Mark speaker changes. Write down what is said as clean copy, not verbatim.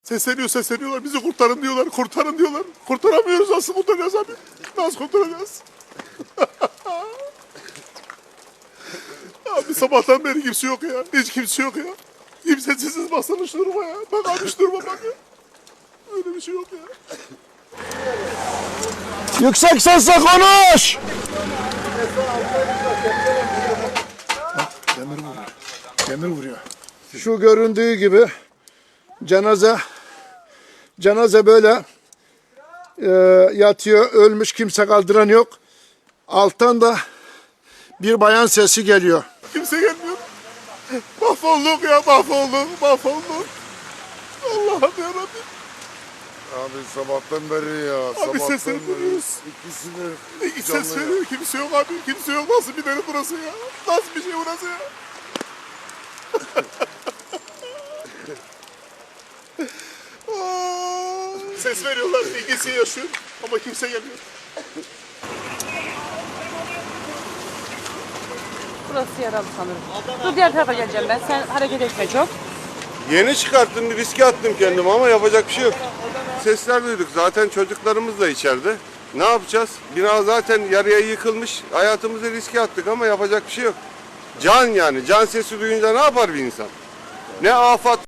Speaker 1: Sesleniyorlar. Bizi kurtarın diyorlar. Kurtarın diyorlar. Kurtaramıyoruz. Nasıl kurtaracağız abi? Nasıl kurtaracağız? Abi sabahtan beri kimse yok ya. Hiç kimse yok ya. Kimsesiz baksana şu duruma ya. Bak abi şu duruma bak ya. Öyle bir şey yok ya.
Speaker 2: Yüksek sesle konuş!
Speaker 1: Demir vuruyor.
Speaker 2: Şu göründüğü gibi cenaze böyle yatıyor, ölmüş, kimse kaldıran yok. Alttan da bir bayan sesi geliyor.
Speaker 1: Kimse gelmiyor. Mahvolduk ya, mahvolduk. Allah'ım yarabbim.
Speaker 3: Abi sabahtan beri ya.
Speaker 1: Abi sesleri duyuyoruz. İki ses veriyor. Kimse yok abi. Kimse yok. Nasıl bir dere burası ya? Nasıl bir şey burası ya? Ses veriyorlar. İlgisi yaşıyor. Ama kimse gelmiyor.
Speaker 4: Burası yaralı sanırım. Dur diğer tarafa geleceğim ben. Sen hareket etme çok.
Speaker 5: Yeni çıkarttım, bir riske attım kendimi ama yapacak bir şey yok. Sesler duyduk. Zaten çocuklarımız da içeride. Ne yapacağız? Bina zaten yarıya yıkılmış. Hayatımızı riske attık ama yapacak bir şey yok. Can yani. Can sesi duyunca ne yapar bir insan? Ne afat